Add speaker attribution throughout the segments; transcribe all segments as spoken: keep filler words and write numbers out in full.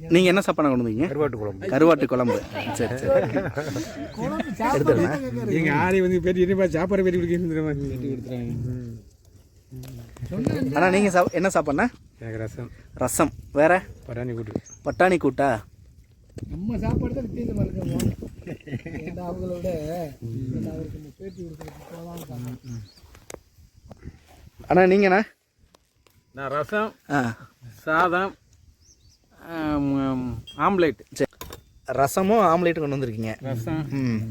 Speaker 1: நீங்கள் என்ன சாப்பாடு கொண்டு வந்தீங்க?
Speaker 2: கருவாட்டு குழம்பு.
Speaker 1: கருவாட்டு குழம்பு. சரி சரி எடுத்துருங்க.
Speaker 2: எங்கள் ஆரி வந்து பேட்டி என்ன சாப்பாடு பேட்டி கொடுக்க.
Speaker 1: ஆனால் நீங்கள் சா என்ன சாப்பாடுண்ணா?
Speaker 2: எனக்கு ரசம்.
Speaker 1: ரசம். வேற?
Speaker 2: பட்டாணி கூட்டு. பட்டாணி
Speaker 1: கூட்டா?
Speaker 3: நம்ம சாப்பாடு தான் வித்தியாசமாக இருக்கணும். அவங்களோட அவருக்கு பேட்டி கொடுக்குறது.
Speaker 1: அண்ணா நீங்கண்ணா?
Speaker 2: நான் ரசம்,
Speaker 1: ஆ
Speaker 2: சாதம், ஆம்லேட்.
Speaker 1: சரி, ரசமும் ஆம்லேட்டும் கொண்டு வந்திருக்கீங்க.
Speaker 2: ரசம்.
Speaker 1: ம்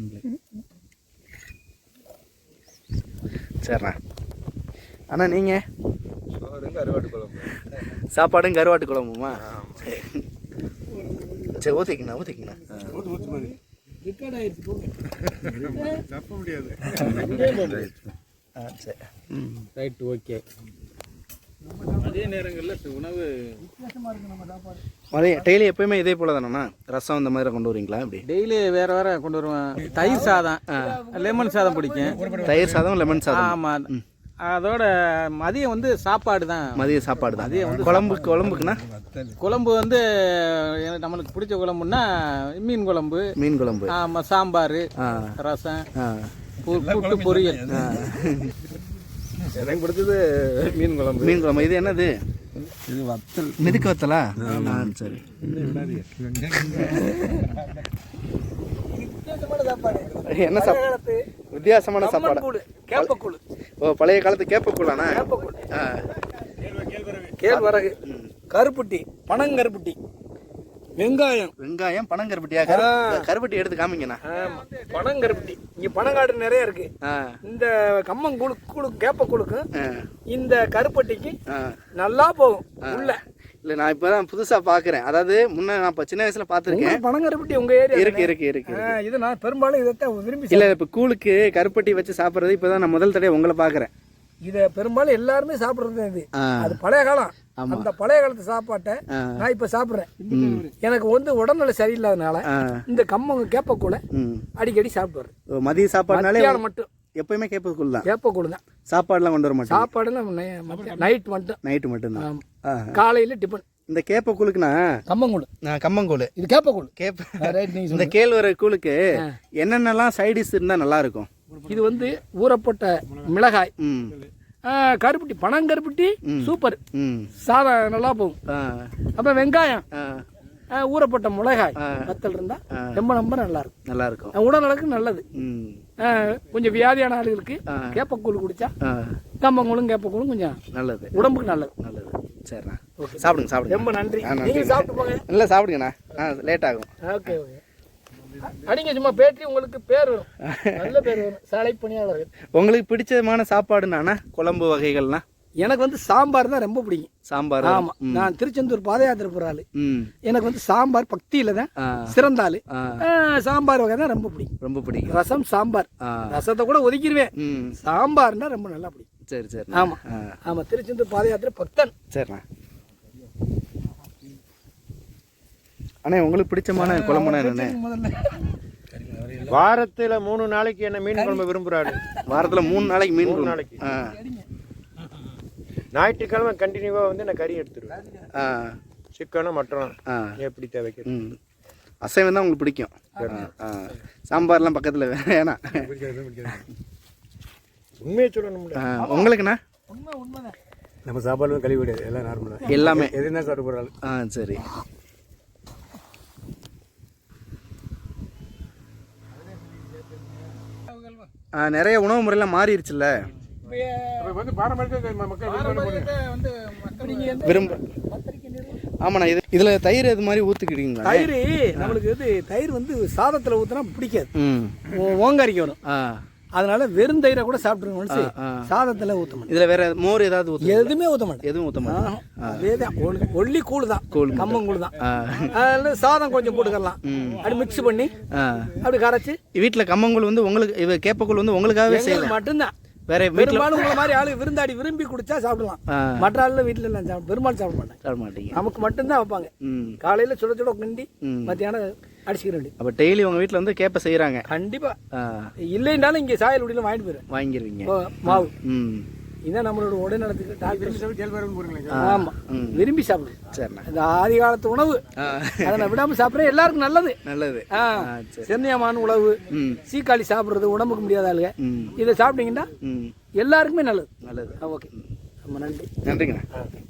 Speaker 1: சரிண்ணா. அண்ணா நீங்கள்?
Speaker 2: கருவாட்டு குழம்பு.
Speaker 1: சாப்பாடும் கருவாட்டு குழம்புமா? சரி ஊற்றிக்கண்ணா ஊற்றிக்கண்ணா.
Speaker 2: தப்ப முடியாது.
Speaker 1: ஆ சரி. ம்
Speaker 2: ரைட், ஓகே. அதே நேரங்களில் உணவு
Speaker 1: அதே டெய்லி எப்பயுமே இதே போல தானேண்ணா? ரசம் இந்த மாதிரி கொண்டு வருவீங்களா? அப்படி
Speaker 2: டெய்லி வேறு வேறு கொண்டு வருவேன். தயிர் சாதம், லெமன் சாதம் பிடிக்கும்.
Speaker 1: தயிர் சாதம், லெமன் சாதம்.
Speaker 2: ஆமாம். அதோட மதியம் வந்து சாப்பாடு தான்.
Speaker 1: மதிய சாப்பாடு தான். மதியம் வந்து குழம்பு. குழம்புக்குண்ணா?
Speaker 2: குழம்பு வந்து நம்மளுக்கு பிடிச்ச குழம்புன்னா மீன் குழம்பு.
Speaker 1: மீன் குழம்பு.
Speaker 2: ஆமாம். சாம்பார், ரசம், புட்டு, பொரியல். எனக்கு பிடிச்சது மீன் குழம்பு.
Speaker 1: மீன் குழம்பு. இது என்னது?
Speaker 2: இது வத்தல்.
Speaker 1: மிதுக்கு வத்தலா? ஆ சரி. என்ன சாப்பாடு? வித்தியாசமான சாப்பாடு.
Speaker 3: கேப்பக்கூழ்.
Speaker 1: ஓ, பழைய காலத்து கேப்பக்கூழாண்ணா?
Speaker 3: கேழ்வரகு, கருப்பட்டி, பனங்கருப்பட்டி, வெங்காயம்.
Speaker 1: வெங்காயம், பனங்கருப்பட்டியா? கருப்பட்டி எடுத்து காமிங்கண்ணா.
Speaker 3: பனங்கருப்பட்டி இங்க பனங்காடு நிறைய இருக்கு. இந்த கம்மங்கூழு கூழு கேப்பக்கூழுக்கு இந்த கருப்பட்டிக்கு நல்லா போகும் உள்ள.
Speaker 1: இல்லை, நான் இப்போ தான் புதுசாக பார்க்குறேன். அதாவது முன்ன நான் இப்போ சின்ன வயசில் பார்த்துருக்கேன்.
Speaker 3: பனங்கருப்பட்டி உங்கள் ஏரியா
Speaker 1: இருக்கு இருக்கு இருக்கு.
Speaker 3: இது நான் பெரும்பாலும் இதைத்தான் விரும்பி.
Speaker 1: இல்லை, இப்போ கூழுக்கு கருப்பட்டி வச்சு சாப்பிட்றது இப்போ தான் நான் முதல் தடவை உங்களை பார்க்குறேன்.
Speaker 3: இதை பெரும்பாலும் எல்லாருமே சாப்பிட்றது இது. அது பழைய காலம். அந்த பழைய காலத்து சாப்பாட்டை நான் இப்போ சாப்பிட்றேன். எனக்கு வந்து உடல்நிலை சரியில்லாதனால இந்த கம்மங்க கேப்பக்கூழ அடிக்கடி சாப்பிட்டு
Speaker 1: மதிய சாப்பாடுனாலே
Speaker 3: மட்டும்
Speaker 1: எப்பயுமே கேப்பக்கூழ் தான்.
Speaker 3: கேப்பக்கூழ் தான்.
Speaker 1: சாப்பாடுலாம் கொண்டு வர மாட்டேன்.
Speaker 3: சாப்பாடுலாம் நைட் மட்டும்.
Speaker 1: நைட்டு மட்டும்தான்.
Speaker 3: காலையில் டிஃபன்.
Speaker 1: இந்த கேப்பக்கூழுக்குண்ணா?
Speaker 3: கம்மங்கூழ்.
Speaker 1: கம்மங்கூழ்.
Speaker 3: இது கேப்பக்கூழ்.
Speaker 1: கேப்ப இந்த கேழ்வரகு கூழுக்கு என்னென்னலாம் சைடிஷ் இருந்தால் நல்லா இருக்கும்?
Speaker 3: இது வந்து ஊறப்பட்ட மிளகாய், கருப்பட்டி, பனங்கருப்பட்டி சூப்பர், சாதம் நல்லா போகும். அப்புறம் வெங்காயம், ஊறப்பட்ட மிளகாய், வத்தல் இருந்தா ரொம்ப ரொம்ப நல்லா இருக்கும். நல்லா இருக்கும். உடல்நலக்கு நல்லது. கொஞ்சம் வியாதியான ஆளுகளுக்கு கேப்பக்கூழ் குடிச்சா கம்பங்கூழும் கேப்பக்கூழும் கொஞ்சம் நல்லது, உடம்புக்கு நல்லது. நல்லது. சரிண்ணா, சாப்பிடுங்க சாப்பிடுங்க. ரொம்ப நன்றி. சாப்பிட்டு போங்க. இல்லை சாப்பிடுங்கண்ணா, லேட் ஆகும். Okay okay. அடிங்க சும்மா பேட்டி உங்களுக்கு பேர் வரும், நல்ல பேர் வரும். சாலை பணியாளர்கள். உங்களுக்கு பிடிச்சமான சாப்பாடுனா குழம்பு வகைகள்னா? எனக்கு வந்து சாம்பார் தான் ரொம்ப பிடிக்கும். சாம்பார். ஆமா, நான் திருச்செந்தூர் பாத யாத்திரை போற ஆளு. எனக்கு வந்து சாம்பார் பக்தியில தான் சிறந்த ஆளு. சாம்பார் வகை தான் ரொம்ப பிடிக்கும். ரொம்ப பிடிக்கும். ரசம், சாம்பார். ரசத்தை கூட ஒதுக்கிடுவேன். சாம்பார்னா ரொம்ப நல்லா பிடிக்கும். சரி சரி. ஆமா ஆமா, திருச்செந்தூர் பாத யாத்திரை பக்தன். சரிண்ணா. அண்ணே, உங்களுக்கு பிடிச்சமான குழம்புனா என்ன?
Speaker 2: வாரத்துல மூணு நாளைக்கு என்ன மீன் குழம்பு விரும்புறாரு?
Speaker 1: வாரத்துல மூணு நாளைக்கு மீன்
Speaker 2: மூணு நாளைக்கு. ஞாயிற்றுக்கிழமை கண்டினியூவா வந்து நான் கறி எடுத்துருவேன். சிக்கனும் மட்டனும் எப்படி தேவைக்கு.
Speaker 1: அசைவம் தான் உங்களுக்கு பிடிக்கும். சாம்பார்லாம் பக்கத்துல வேணாம்.
Speaker 2: உண்மையை சொல்லணும்.
Speaker 1: உங்களுக்குண்ணா?
Speaker 2: நம்ம சாப்பாடு கழிவு கிடையாது, எல்லாம் நார்மலா
Speaker 1: எல்லாமே
Speaker 2: எதுனா சாப்பிட்டு போறாள்.
Speaker 1: ஆ சரி. நிறைய உணவு முறையெல்லாம் மாறிடுச்சுல்ல. விரும்ப. ஆமாண்ணா, இது இதுல தயிர் இது மாதிரி ஊத்துக்கிட்டீங்களா?
Speaker 3: தயிர் நம்மளுக்கு இது தயிர் வந்து சாதத்துல ஊத்துனா பிடிக்காது, ஓங்காரிக்கு வரும். அதனால வெறும் தயிரை கூட சாப்பிட்டுருங்க. சாதத்துல ஊத்த மாட்டேன்.
Speaker 1: இதுல வேற மோர் ஏதாவது ஊத்த?
Speaker 3: எதுவுமே ஊத்த மாட்டேன்.
Speaker 1: எதுவும் ஊத்த மாட்டேன்.
Speaker 3: அதேதான், ஒல்லி கூழ் தான், கம்மங்கூழ் தான். அதுல சாதம் கொஞ்சம் போட்டுக்கலாம், அப்படி மிக்ஸ் பண்ணி அப்படி கரைச்சி.
Speaker 1: வீட்டுல கம்மங்கூழ் வந்து உங்களுக்கு, கேப்பக்கூழ் வந்து உங்களுக்காகவே செய்யலாம் மட்டும்தான். வேற
Speaker 3: பெரும்பாலும் உங்களை மாதிரி ஆளு விருந்தாடி விரும்பி குடிச்சா சாப்பிடலாம். மற்ற ஆளுல வீட்டுல எல்லாம் சாப்பிட பெரும்பாலும் சாப்பிட மாட்டேன். சாப்பிட மாட்டீங்க. நமக்கு மட்டும்தான் வைப்பாங்க. காலையில சுட சுட கிண்டி மத்தியானம் அடிச்சுக்க வேண்டிய. அப்ப டெய்லி உங்க வீட்டுல வந்து கேப்ப செய்யறாங்க? கண்டிப்பா. இல்லைன்னாலும் இங்க சாயல் உடியில வாங்கிட்டு போயிரு. வாங்கிருவீங்க மாவு. இதான் நம்மளோட உடல் நலத்துக்கு டாக்டர்
Speaker 2: கேழ்வரகு போறீங்களா?
Speaker 3: ஆமாம் விரும்பி சாப்பிடு.
Speaker 1: சரிண்ணா.
Speaker 3: இந்த ஆதி காலத்து உணவு அதை நான் விடாமல் சாப்பிட்றேன், எல்லாருக்கும் நல்லது.
Speaker 1: நல்லது.
Speaker 3: ஆ சென்னியமான உணவு, சீக்காளி சாப்பிட்றது உடம்புக்கு முடியாத ஆளுங்க இதை சாப்பிட்டீங்கன்னா எல்லாருக்குமே நல்லது.
Speaker 1: நல்லது.
Speaker 3: ஓகே, ரொம்ப நன்றி.
Speaker 1: நன்றிங்கண்ணா.